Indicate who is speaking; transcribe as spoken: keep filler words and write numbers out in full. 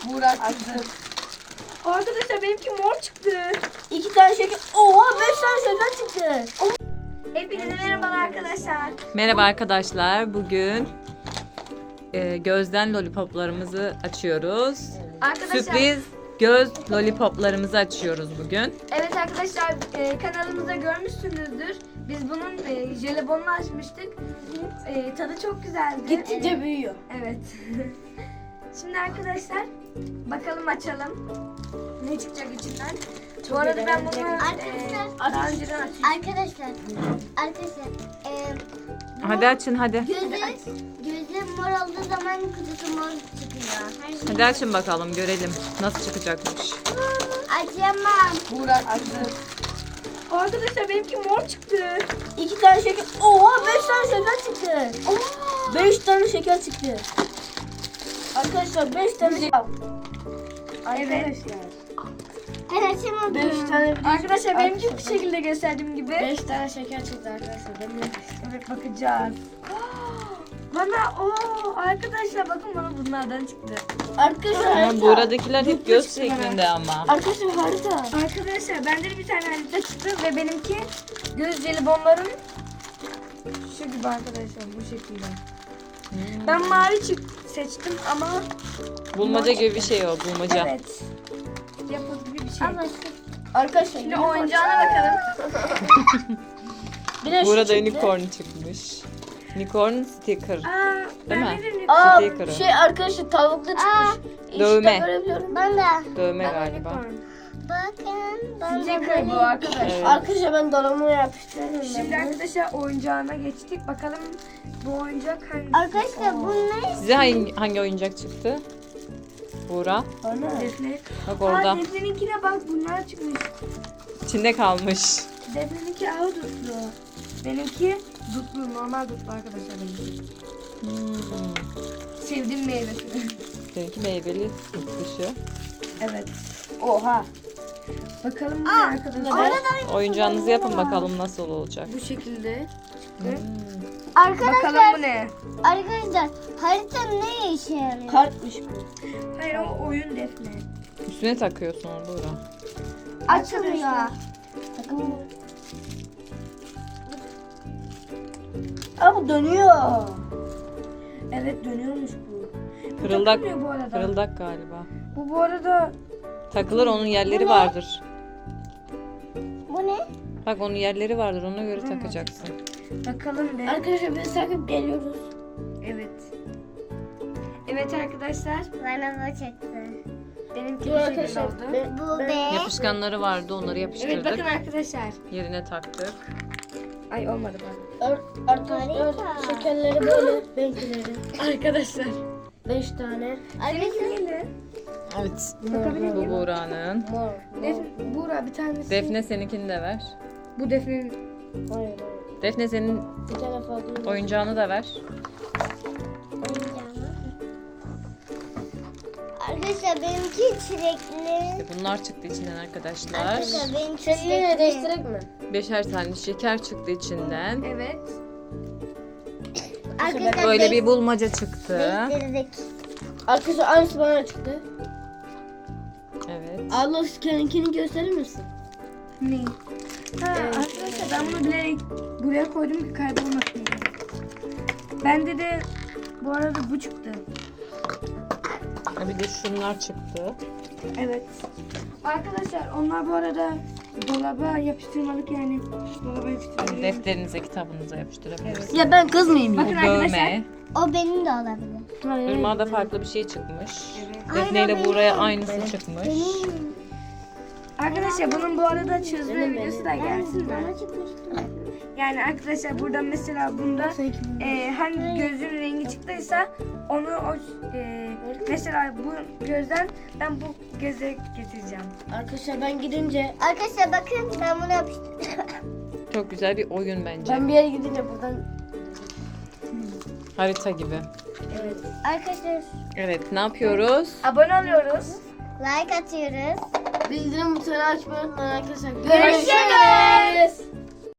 Speaker 1: Buğra çıktı.
Speaker 2: Arkadaşlar benimki mor çıktı.
Speaker 1: İki tane şeker. Oha beş tane şeker çıktı.
Speaker 2: Hepinize merhabalar arkadaşlar.
Speaker 3: Merhaba arkadaşlar. Bugün e, gözden lollipoplarımızı açıyoruz.
Speaker 2: Arkadaşlar.
Speaker 3: Sürpriz göz lollipoplarımızı açıyoruz bugün.
Speaker 2: Evet arkadaşlar e, kanalımızda görmüşsünüzdür. Biz bunun e, jelibonunu açmıştık. E, tadı çok güzeldi.
Speaker 1: Gittikçe
Speaker 2: E,
Speaker 1: büyüyor.
Speaker 2: Evet. Şimdi arkadaşlar bakalım açalım. Ne çıkacak içinden? Bu arada ben bunu
Speaker 4: Arkadaşlar-
Speaker 2: e, daha önceden açtım.
Speaker 4: Arkadaşlar, arkadaşlar, e,
Speaker 3: Hadi açın hadi.
Speaker 4: gözü, gözü mor olduğu zaman kutusu mor çıkıyor. Her şey.
Speaker 3: Hadi açın bakalım görelim nasıl çıkacakmış.
Speaker 4: Açamam.
Speaker 1: Buğra çıktı.
Speaker 2: Arkadaşlar benimki mor çıktı.
Speaker 1: İki tane şeker. Oha beş tane şeker çıktı. Beş tane şeker çıktı. Arkadaşlar beş tane şeker. Arkadaşlar.
Speaker 4: Ben açamadım.
Speaker 1: Beş tane
Speaker 2: Arkadaşlar benimki bu şekilde gösterdiğim gibi.
Speaker 1: Beş tane şeker çıktı arkadaşlar. Ben de-
Speaker 2: Evet bakacağız. Bana o arkadaşlar bakın bana bunlardan çıktı.
Speaker 1: Arkadaşlar
Speaker 3: Ama
Speaker 1: harita.
Speaker 3: buradakiler hep
Speaker 1: Yurtlu
Speaker 3: göz
Speaker 1: çıktı
Speaker 3: şeklinde ama.
Speaker 1: Arkadaşlar harita.
Speaker 2: Arkadaşlar bende de bir tane harita çıktı ve benimki göz jelibonların şu gibi arkadaşlar bu şekilde. Ben mavi çık seçtim ama
Speaker 3: Bulmaca gibi bir şey o bulmaca.
Speaker 2: evet. Yapı gibi bir şey.
Speaker 4: Ama
Speaker 1: Arkadaşlar
Speaker 2: Şimdi oyuncağına bakalım.
Speaker 1: bir de şu
Speaker 3: Burada
Speaker 1: çıktı.
Speaker 3: unicorn çıkmış. Unicorn sticker.
Speaker 2: Aa,
Speaker 3: Değil
Speaker 2: ben
Speaker 3: mi?
Speaker 2: de unicorn.
Speaker 1: Aa
Speaker 3: Sticker'ı.
Speaker 1: şey arkadaşlar tavuklu çıkmış. İşte
Speaker 3: Dövme.
Speaker 1: görebiliyorum.
Speaker 4: ben de.
Speaker 3: Dövme
Speaker 2: Ben de
Speaker 3: galiba.
Speaker 2: unicorn.
Speaker 4: Bakın, ben de
Speaker 2: Sticker bu
Speaker 4: böyle.
Speaker 2: arkadaşlar.
Speaker 3: Evet.
Speaker 1: Arkadaşlar ben dolabıma yapıştırıyorum.
Speaker 2: Şimdi
Speaker 1: ben bunu.
Speaker 2: arkadaşlar oyuncağına geçtik. Bakalım bu oyuncak hangisi?
Speaker 4: Arkadaşlar bu ne?
Speaker 3: Size hangi, hangi oyuncak çıktı? Buğra.
Speaker 1: Ana.
Speaker 2: Defne.
Speaker 3: Bak orada.
Speaker 2: Aa Defne'ninkine bak bunlar çıkmış.
Speaker 3: İçinde kalmış.
Speaker 2: Defne'ninki ağı dutlu. Benimki dutlu, normal dutlu arkadaşlar benimki.
Speaker 3: Hmm.
Speaker 2: Sevdiğim meyvesi.
Speaker 3: Seninki meyveli dışı.
Speaker 2: Evet.
Speaker 1: Oha.
Speaker 2: Bakalım bu ne arkadaşlar?
Speaker 3: Oyuncağınızı yapın bakalım nasıl olacak.
Speaker 2: Bu şekilde.
Speaker 3: Hmm.
Speaker 4: Arkadaşlar,
Speaker 2: Bakalım bu ne?
Speaker 4: arkadaşlar harita ne işe yarıyor?
Speaker 1: Kartmış bu.
Speaker 2: Hayır o oyun Defne.
Speaker 3: Üstüne takıyorsun onu Buğra.
Speaker 4: Açılıyor.
Speaker 1: Takım bu. Aa bu dönüyor.
Speaker 2: Evet dönüyormuş bu. Bu
Speaker 3: Kırıldak,
Speaker 2: takılmıyor bu arada.
Speaker 3: kırıldak galiba.
Speaker 2: Bu bu arada
Speaker 3: Takılır onun yerleri vardır.
Speaker 4: Bu ne?
Speaker 3: Bak onun yerleri vardır ona göre takacaksın.
Speaker 2: bakalım be.
Speaker 1: Arkadaşlar biz takıp geliyoruz.
Speaker 2: Evet. Evet arkadaşlar.
Speaker 4: Bana bu çıktı.
Speaker 2: Benimki
Speaker 1: Dur
Speaker 2: bu şekilde
Speaker 1: arkadaşlar.
Speaker 2: oldu.
Speaker 1: Ben,
Speaker 4: Bu
Speaker 1: ben-
Speaker 4: be.
Speaker 3: Yapışkanları vardı onları
Speaker 2: Evet
Speaker 3: yapıştırdık.
Speaker 2: bakın arkadaşlar.
Speaker 3: Yerine taktık.
Speaker 2: Ay olmadı bak.
Speaker 1: Ar- arkadaşlar şekerleri böyle. Benimkileri.
Speaker 2: Arkadaşlar.
Speaker 1: Beş tane.
Speaker 4: Arkadaşlar,
Speaker 2: Neyle?
Speaker 3: Evet.
Speaker 2: Bakabilir
Speaker 3: Bu
Speaker 2: miyim?
Speaker 3: Buğra'nın.
Speaker 1: Mor.
Speaker 2: Defne, Buğra bir tanesi.
Speaker 3: Defne seninkini de ver.
Speaker 2: Bu Defne'nin.
Speaker 1: Hayır hayır.
Speaker 3: Defne senin
Speaker 1: Bir tane fazla.
Speaker 3: oyuncağını da ver.
Speaker 4: oyuncağımı. Arkadaşlar benimki çilekli.
Speaker 3: Bunlar çıktı içinden arkadaşlar.
Speaker 4: Arkadaşlar benimki
Speaker 1: Şeklini
Speaker 4: çilekli.
Speaker 1: değiştirek mi?
Speaker 3: Beşer tane şeker çıktı içinden.
Speaker 2: Evet.
Speaker 4: Arkadaşlar
Speaker 3: Böyle bir bulmaca çıktı.
Speaker 4: değiştirdik.
Speaker 1: Arkadaşlar aynısı bana çıktı.
Speaker 3: Evet.
Speaker 1: Allah kendininkini gösterir misin?
Speaker 2: Ne? Ha, arkadaşlar ben bunu bilerek buraya koydum ki kaybolmasın diye. Bende de bu arada bu çıktı.
Speaker 3: Bir de şunlar çıktı.
Speaker 2: Evet. Arkadaşlar onlar bu arada dolaba yapıştırmalık yani. Dolaba yapıştırmalık.
Speaker 3: Defterinize, kitabınıza yapıştırabilirsiniz.
Speaker 1: Ya ben kız mıyım ya?
Speaker 2: Bakın arkadaşlar.
Speaker 3: Dövme.
Speaker 4: O benim de olabilir.
Speaker 3: Irmağa da farklı bir şey çıkmış.
Speaker 2: Evet.
Speaker 3: Defne ile Buğra'ya aynısı çıkmış.
Speaker 4: Benim.
Speaker 2: Arkadaşlar bunun bu arada çözme videosu da gelsin mi?
Speaker 4: Bana çıkmıştı.
Speaker 2: Yani arkadaşlar burada mesela bunda e, hangi gözün rengi çıktıysa onu o e, mesela bu gözden ben bu göze getireceğim.
Speaker 1: Arkadaşlar ben gidince
Speaker 4: Arkadaşlar bakın ben bunu yapıştırdım.
Speaker 3: Çok güzel bir oyun bence.
Speaker 1: ben bir yere gidince buradan
Speaker 3: Harita gibi.
Speaker 2: Evet.
Speaker 4: Arkadaşlar
Speaker 3: Evet ne yapıyoruz?
Speaker 2: Abone oluyoruz.
Speaker 4: like atıyoruz.
Speaker 1: bildirim butonunu açmayı unutmayın arkadaşlar.
Speaker 2: Görüşürüz.